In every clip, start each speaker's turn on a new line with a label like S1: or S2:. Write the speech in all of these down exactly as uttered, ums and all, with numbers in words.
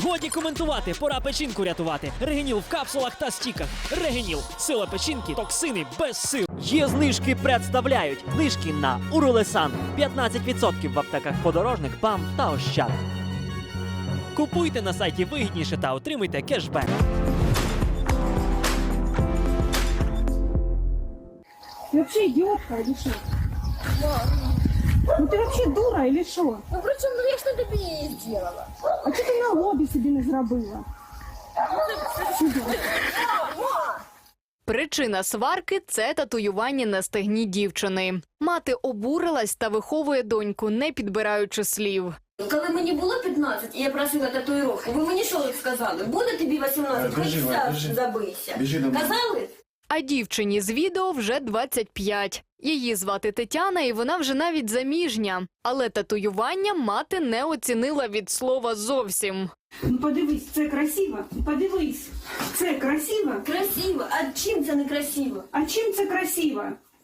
S1: Годі коментувати, пора печінку рятувати. Регеніл в капсулах та стіках. Регеніл. Сила печінки, токсини без сил. Є знижки представляють. Знижки на Уролесан. п'ятнадцять відсотків в аптеках Подорожник, БАМ та Ощад. Купуйте на сайті вигідніше та отримуйте кешбек.
S2: Ты вообще идиотка или что? Ну ты вообще дура или что?
S3: Ну причем, ну я ж на тобі її зробила.
S2: А что ты на лобі собі не зробила?
S4: Причина сварки – це татуювання на стегні дівчини. Мати обурилась та виховує доньку, не підбираючи слів.
S3: Коли мені було п'ятнадцять і я просила татуїровку, ви мені що сказали? Буде тобі вісімнадцять, хоч вся забийся. Казали?
S4: А дівчині з відео вже двадцять п'ять. Її звати Тетяна, і вона вже навіть заміжня. Але татуювання мати не оцінила від слова зовсім.
S2: Ну подивись, це красиво. Подивись, це красиво.
S3: Красиво. А чим це не красиво?
S2: А чим це красиво?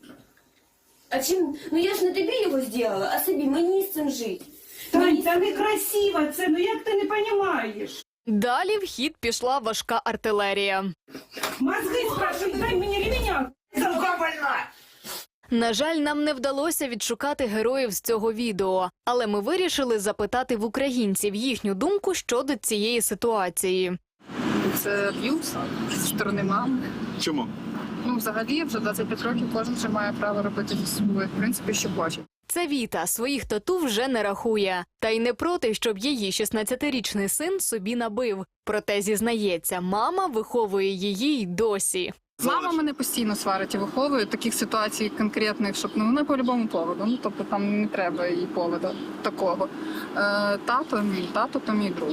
S3: А чим? Ну я ж не тобі його зробила, а собі. Мені з цим жити.
S2: Тань, та не красиво це, ну як ти не розумієш?
S4: Далі в хід пішла важка артилерія.
S2: Мозги спрашивай, дай мені ремня. Замка больна.
S4: На жаль, нам не вдалося відшукати героїв з цього відео, але ми вирішили запитати в українців їхню думку щодо цієї ситуації.
S5: Це аб'юз зі сторони мами.
S6: Чому?
S5: Ну, взагалі, вже двадцять п'ять років кожен вже має право робити зі собою, в принципі, що хоче.
S4: Це Віта, своїх тату вже не рахує. Та й не проти, щоб її шістнадцятирічний син собі набив. Проте, зізнається, мама виховує її й досі.
S5: Мама мене постійно сварить і виховує таких ситуацій конкретних, щоб ну не по любому поводу. Ну тобто там не треба їй поводу такого. Е, тато мій, тато то мій друг.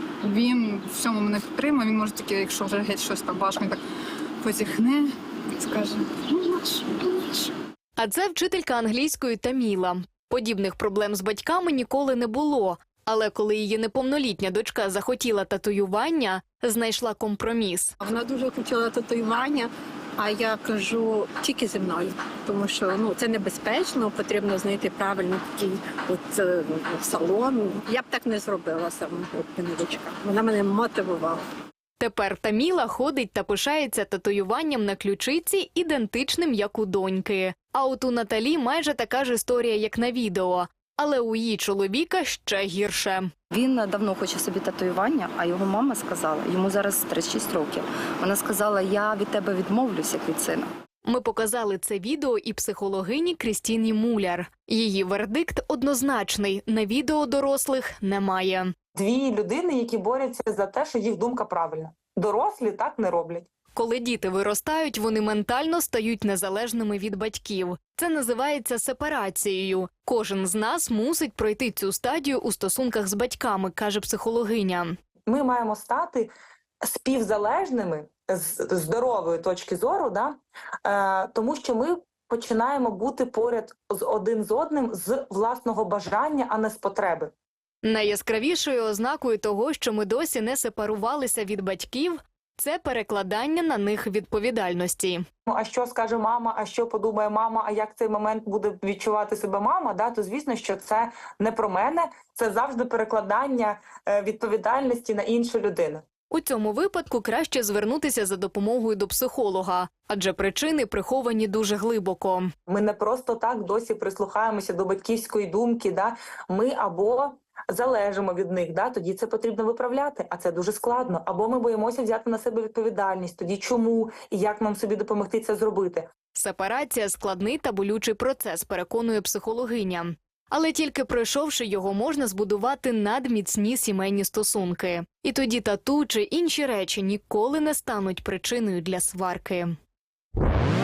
S5: Він в всьому мене підтримує. Він може тільки, якщо вже геть щось там важко, він так позіхне і скаже: ну наш, ну наш.
S4: А це вчителька англійської Таміла. Подібних проблем з батьками ніколи не було. Але коли її неповнолітня дочка захотіла татуювання, знайшла компроміс.
S7: Вона дуже хотіла татуювання, а я кажу, тільки зі мною. Тому що ну, це небезпечно, потрібно знайти правильно такий от, е, салон. Я б так не зробила сама, от мене дочка. Вона мене мотивувала.
S4: Тепер Таміла ходить та пишається татуюванням на ключиці, ідентичним, як у доньки. А от у Наталі майже така ж історія, як на відео. Але у її чоловіка ще гірше.
S8: Він давно хоче собі татуювання, а його мама сказала, йому зараз тридцять шість років, вона сказала: я від тебе відмовлюсь, як від сина.
S4: Ми показали це відео і психологині Крістіні Муляр. Її вердикт однозначний – на відео дорослих немає.
S9: Дві людини, які борються за те, що їх думка правильна. Дорослі так не роблять.
S4: Коли діти виростають, вони ментально стають незалежними від батьків. Це називається сепарацією. Кожен з нас мусить пройти цю стадію у стосунках з батьками, каже психологиня.
S9: Ми маємо стати співзалежними з здорової точки зору, да? е, тому що ми починаємо бути поряд з один з одним з власного бажання, а не з потреби.
S4: Найяскравішою ознакою того, що ми досі не сепарувалися від батьків – це перекладання на них відповідальності.
S9: Ну, а що скаже мама, а що подумає мама, а як цей момент буде відчувати себе мама, да, то звісно, що це не про мене, це завжди перекладання відповідальності на іншу людину.
S4: У цьому випадку краще звернутися за допомогою до психолога, адже причини приховані дуже глибоко.
S9: Ми не просто так досі прислухаємося до батьківської думки, да, ми або залежимо від них, да, тоді це потрібно виправляти, а це дуже складно. Або ми боїмося взяти на себе відповідальність, тоді чому і як нам собі допомогти це зробити.
S4: Сепарація – складний та болючий процес, переконує психологиня. Але тільки пройшовши його, можна збудувати надміцні сімейні стосунки. І тоді тату чи інші речі ніколи не стануть причиною для сварки.